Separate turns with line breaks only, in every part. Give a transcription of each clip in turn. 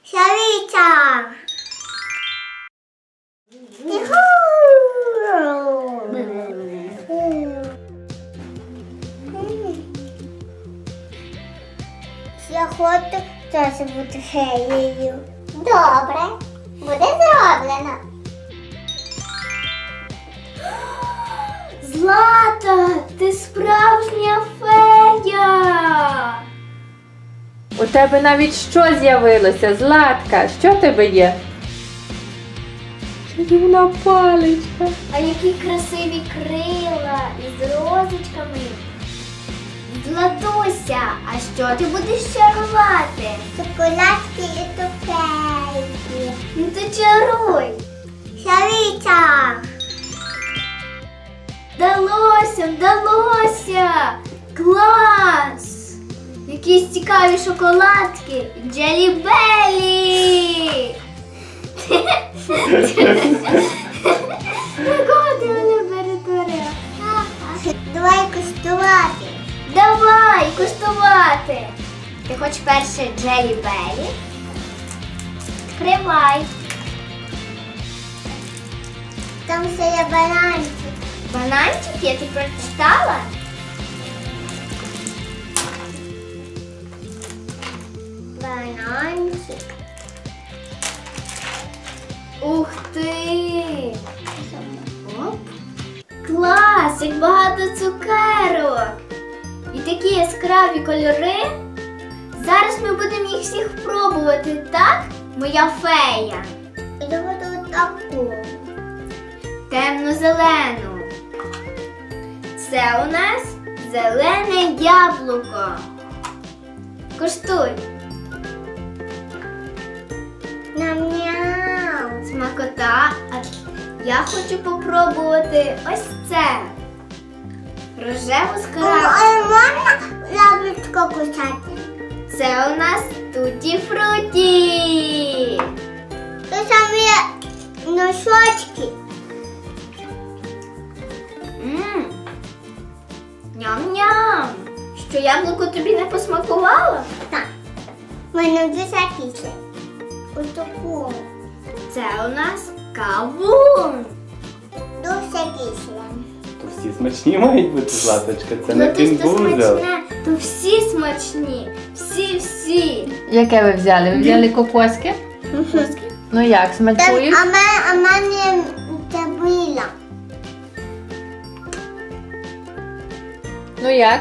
Шариця. Я хочу теж бути феєю. Добре, буде зроблено.
Злата, ти справжня фея!
У тебе навіть що з'явилося, Златка? Що в тебе є? Чарівна паличка.
А які красиві крила із розочками. Златуся, а що ти будеш чарувати?
Шоколадки і цукерки.
Ну то чаруй!
Шариця.
Вдалося, вдалося! Клас! Якісь цікаві шоколадки! Джелі-белі! Якого ти мене перетворила?
Давай куштувати.
Давай, куштувати! Ти хочеш перше джелі-белі? Відкривай!
Там ще є бананчик.
Бананчик, я ти прочитала?
Бананчик.
Ух ти! Оп. Клас, як багато цукерок! І такі яскраві кольори. Зараз ми будемо їх всіх пробувати, так? Моя фея.
Я буду таку.
Темно-зелену. Це у нас зелене яблуко. Куштуй.
Ням-ням.
Смакота. А я хочу попробувати ось це. Рожеву з крабом.
Можна яблучко кусати?
Це у нас туті-фруті.
Тут там є носочки.
Мм. Ням-ням. Що яблуко тобі не посмакувало?
Так. В мене дуже кисле. Ось таку.
Це у нас кавун.
Дуже кисле.
То всі смачні мають бути, Златочка. Це не
Ну, ти ж то
кінбузел.
смачне, то всі смачні. Всі-всі.
Яке ви взяли? Ви взяли кокоски? Ну як, смакують?
А мене забила.
Ну як?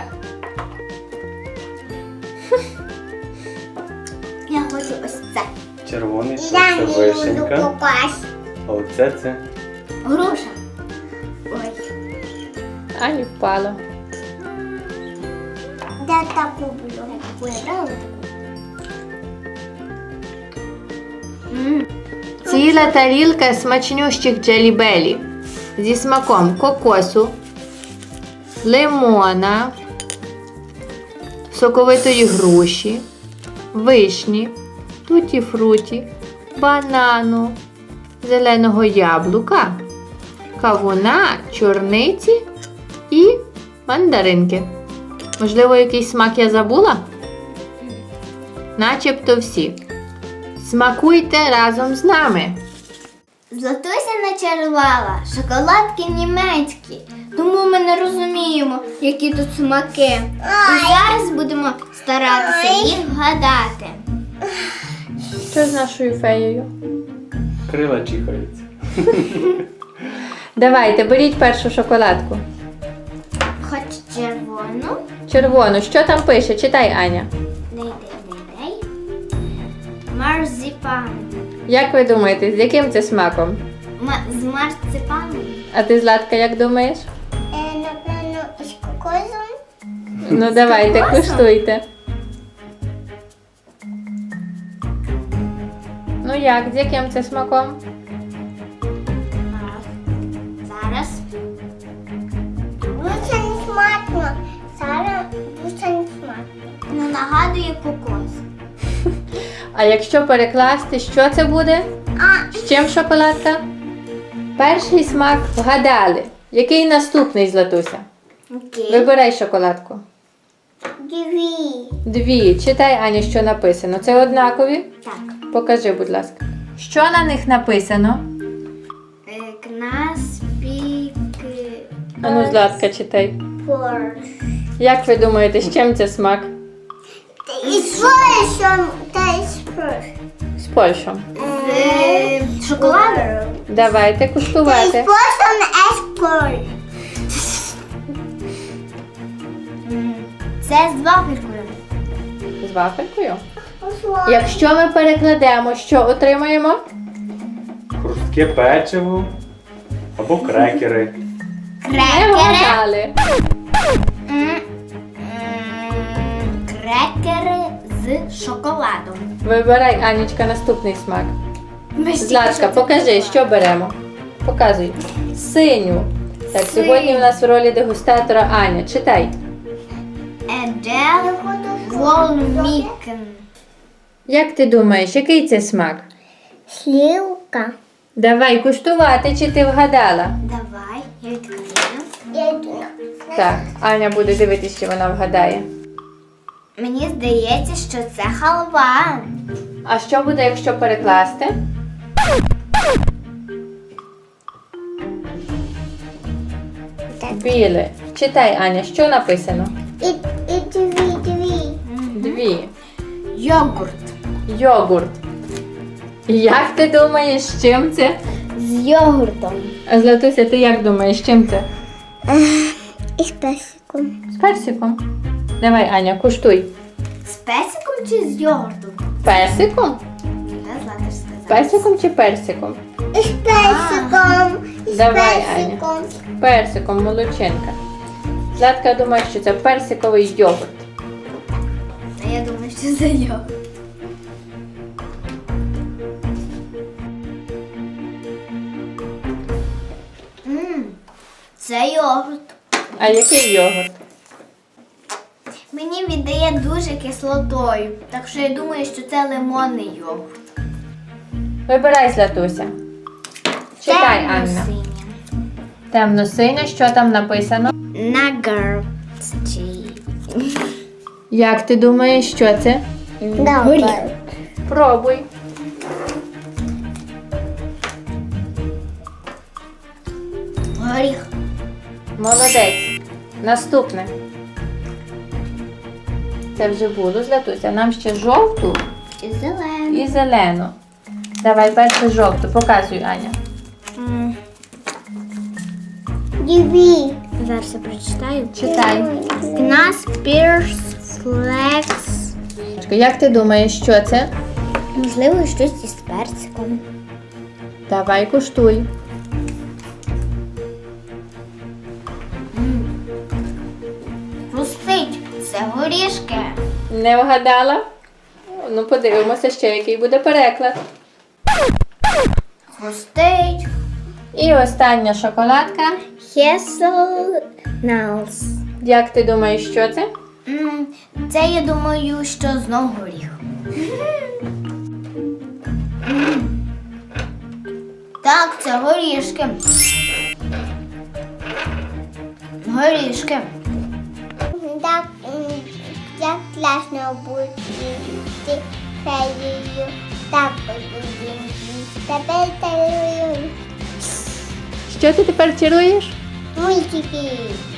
Я хочу ось це.
Червоний, що
Я
це
не люблю
вишенька.
кокос.
А оце це
Груша. Ой.
Ані впало.
Я таку буду.
Вибрала таку. Мм.
Ціла тарілка смачнющих джелі-белі зі смаком кокосу, лимона, соковитої груші, вишні, туті-фруті, банану, зеленого яблука, кавуна, чорниці і мандаринки. Можливо, якийсь смак я забула? Начебто всі. Смакуйте разом з нами.
Златуся начарувала шоколадки німецькі, тому ми не розуміємо, які тут смаки. І зараз будемо старатися їх вгадати.
Що з нашою феєю?
крила чихаються.
Давайте, беріть першу шоколадку.
Хоч червону.
Червону. Що там пише? Читай, Аня.
Дай. Марзипан.
Як ви думаєте, з яким це смаком?
З марципаном.
А ти, Златка, як думаєш?
Напевно, з кокосом.
Ну давайте,
кокосом?
куштуйте. Ну як, з яким це смаком?
Зараз.
Дуже не смачно. Зараз дуже не смачно.
Ну, нагадує кокос.
А якщо перекласти, що це буде? З чим шоколадка? Перший смак вгадали. Який наступний, Златуся?
Окей.
Вибирай шоколадку. Дві. Читай, Аня, що написано. Це однакові?
Так.
Покажи, будь ласка. Що на них написано?
Кнаспік.
Ану, Златка, читай.
Four.
Як ви думаєте, з чим це смак?
It's Russian taste first.
З Польщем.
З шоколадом.
Давайте
Taste
куштувати.
Russian as Polish.
Це з вафелькою.
З вафелькою. Якщо ми перекладемо, що отримаємо?
Хрустке печиво або крекери.
Не
Крекери.
вгадали.
Крекери з шоколадом.
Вибирай, Анічка, наступний смак. Златка, покажи, що беремо. Показуй. Синю. Так, сьогодні у нас в ролі дегустатора Аня. Читай.
Еджел Волмікен.
Як ти думаєш, який це смак?
Сливка.
Давай куштувати, чи ти вгадала?
Давай, я відкрию.
Так, Аня буде дивитися, чи вона вгадає.
Мені здається, що це халва.
А що буде, якщо перекласти? Біле. Читай, Аня, що написано?
Дві.
Дві.
Йогурт.
Йогурт. Як ти думаєш, з чим це?
З йогуртом.
А Златуся, ти як думаєш, з чим це?
І з персиком.
З персиком. Давай, Аня, куштуй.
З песиком чи з йогуртом?
Персиком?
Я Злата ж сказала.
Персиком чи персиком?
І з персиком. І з
Давай,
персиком.
Персиком, молодчинка. Златка думає, що це персиковий йогурт.
А я думаю, що це йогурт. Це йогурт.
А який йогурт?
Мені віддає дуже кислотою, так що я думаю, що це лимонний йогурт.
Вибирай, Златуся. Читай, Анна.
Темно-синє.
Темно-синя, що там написано?
Наггетсі.
Як ти думаєш, що це?
Добре.
Пробуй.
Горіх.
Молодець. Наступне. Це вже було, Златуся. Нам ще жовту
І зелений.
і зелену. Давай перше жовту. Показуй, Аня.
Дві.
Зараз я прочитаю.
Читай.
Кнас Пірс Флекс.
Як ти думаєш, що це?
Можливо, щось із персиком.
Давай куштуй.
Хрустить. Це горішки.
Не вгадала? Ну, подивимося ще, який буде переклад.
Хрустить.
І остання шоколадка.
Hazelnuts.
Як ти думаєш, що це?
Це, я думаю, що знов горіх. Так, це горішки. Горішки.
Так, як класно бути феєю. Так, тепер тарую
Що ти тепер чаруєш?
мультики.